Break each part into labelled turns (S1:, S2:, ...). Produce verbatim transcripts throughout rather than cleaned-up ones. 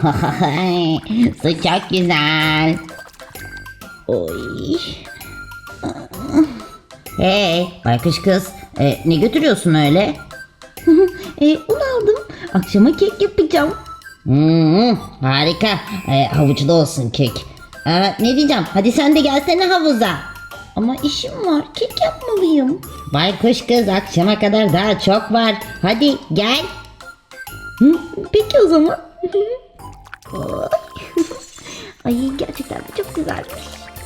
S1: Su çok güzel. Oy. Hey baykuş kız, e, ne götürüyorsun öyle? e, un aldım. Akşama kek yapacağım. Hmm, harika. E, havuçlu olsun kek. Aa, ne diyeceğim? Hadi sen de gelsene havuza. Ama işim var. Kek yapmalıyım. Baykuş kız, akşama kadar daha çok var. Hadi gel. Hı, peki o zaman. Ay gerçekten de çok güzelmiş.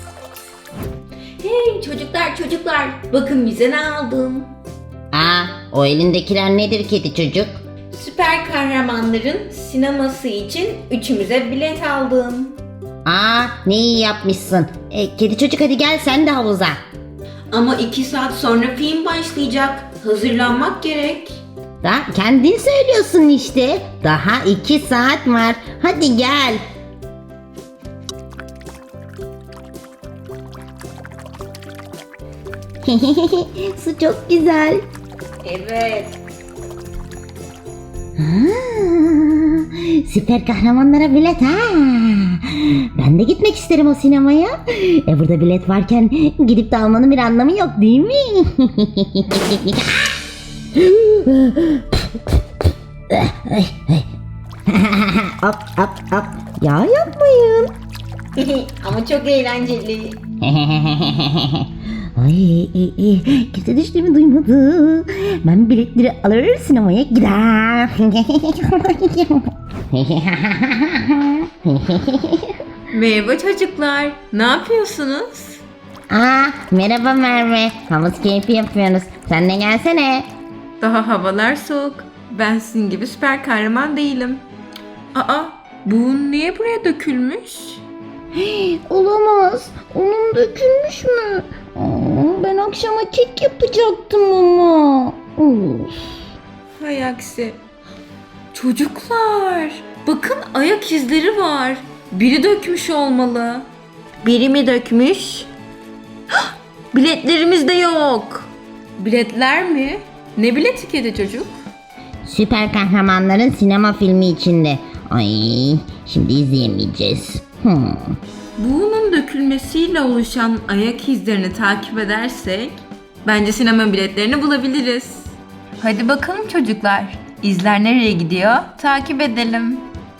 S2: Hey çocuklar çocuklar, bakın bize ne aldım.
S1: Aa, o elindekiler nedir kedi çocuk?
S2: Süper kahramanların sineması için üçümüze bilet aldım.
S1: Aa, ne iyi yapmışsın. E, kedi çocuk hadi gel sen de havuza.
S2: Ama iki saat sonra film başlayacak. Hazırlanmak gerek.
S1: Daha kendin söylüyorsun işte. Daha iki saat var. Hadi gel. Su çok güzel.
S2: Evet.
S1: Aa, süper kahramanlara bilet ha. Ben de gitmek isterim o sinemaya. E burada bilet varken gidip de almanın bir anlamı yok değil mi? Hop hop hop. Ya yapmayın.
S2: Ama çok eğlenceli.
S1: Ay, ay, ay. Kimse düştüğümü duymadı. Ben biletleri alır sinemaya gider.
S2: Merhaba çocuklar. Ne yapıyorsunuz?
S1: Aa, merhaba Merve. Havuz keyfi yapıyoruz. Sen de gelsene.
S2: Daha havalar soğuk. Ben sizin gibi süper kahraman değilim. Aa, bu niye buraya dökülmüş?
S1: Olamaz. Onun dökülmüş mü? Aa, ben akşama kek yapacaktım ama. Of.
S2: Hay aksi. Çocuklar, bakın ayak izleri var. Biri dökmüş olmalı. Biri mi dökmüş? Hah! Biletlerimiz de yok. Biletler mi? Ne bileti kedi çocuk?
S1: Süper kahramanların sinema filmi içinde. Ay, şimdi izleyemeyeceğiz. Hmm.
S2: Bunun dökülmesiyle oluşan ayak izlerini takip edersek bence sinema biletlerini bulabiliriz. Hadi bakalım çocuklar. İzler nereye gidiyor? Takip edelim.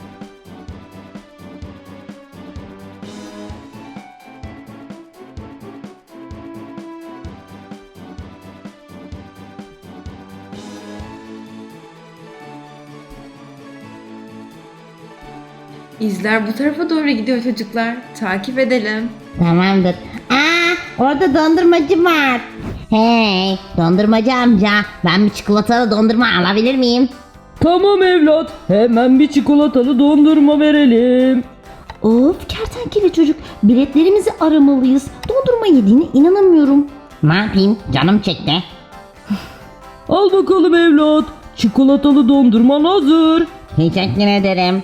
S2: İzler bu tarafa doğru gidiyor çocuklar. Takip edelim.
S1: Tamamdır. Aa, orada dondurmacı var. Hey, dondurmacı amca. Ben bir çikolatalı dondurma alabilir miyim?
S3: Tamam evlat, hemen bir çikolatalı dondurma verelim.
S1: Of, kertenkele çocuk. Biletlerimizi aramalıyız. Dondurma yediğine inanamıyorum. Ne yapayım? Canım çekti.
S3: Al bakalım evlat, çikolatalı dondurman hazır.
S1: Teşekkür ederim.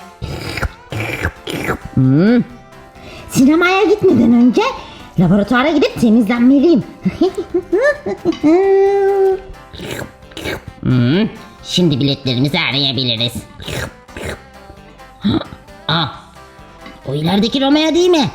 S1: Hmm. Sinemaya gitmeden önce laboratuvara gidip temizlenmeliyim. hmm. Şimdi biletlerimizi arayabiliriz. Aa, o ilerideki Romeo değil mi?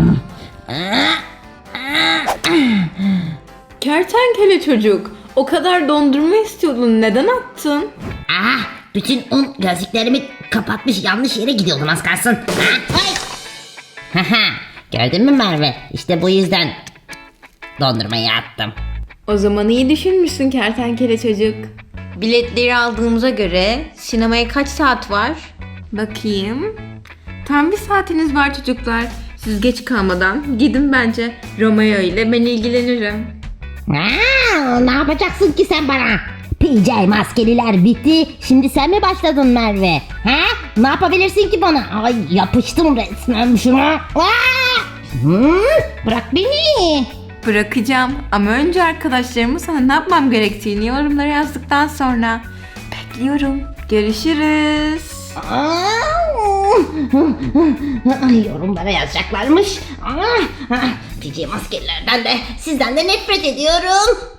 S2: Kertenkele çocuk, o kadar dondurma istiyordun, neden attın?
S1: Ah, bütün un gözlüklerimi kapatmış, yanlış yere gidiyordum az kalsın. Haha, gördün mü Merve? İşte bu yüzden dondurmayı attım.
S2: O zaman iyi düşünmüşsün kertenkele çocuk. Biletleri aldığımıza göre sinemaya kaç saat var? Bakayım. Tam bir saatiniz var çocuklar. Siz geç kalmadan gidin bence. Romeo ile ben ilgilenirim.
S1: Aa, ne yapacaksın ki sen bana? P J maskeliler bitti. Şimdi sen mi başladın Merve? Ha? Ne yapabilirsin ki bana? Ay yapıştım resmen şuna. Aa! Hmm, bırak beni.
S2: Bırakacağım ama önce arkadaşlarımı sana ne yapmam gerektiğini yorumlara yazdıktan sonra. Bekliyorum. Görüşürüz.
S1: Aa! Ay, yorumlara yazacaklarmış. Aa, P J maskelilerden de sizden de nefret ediyorum.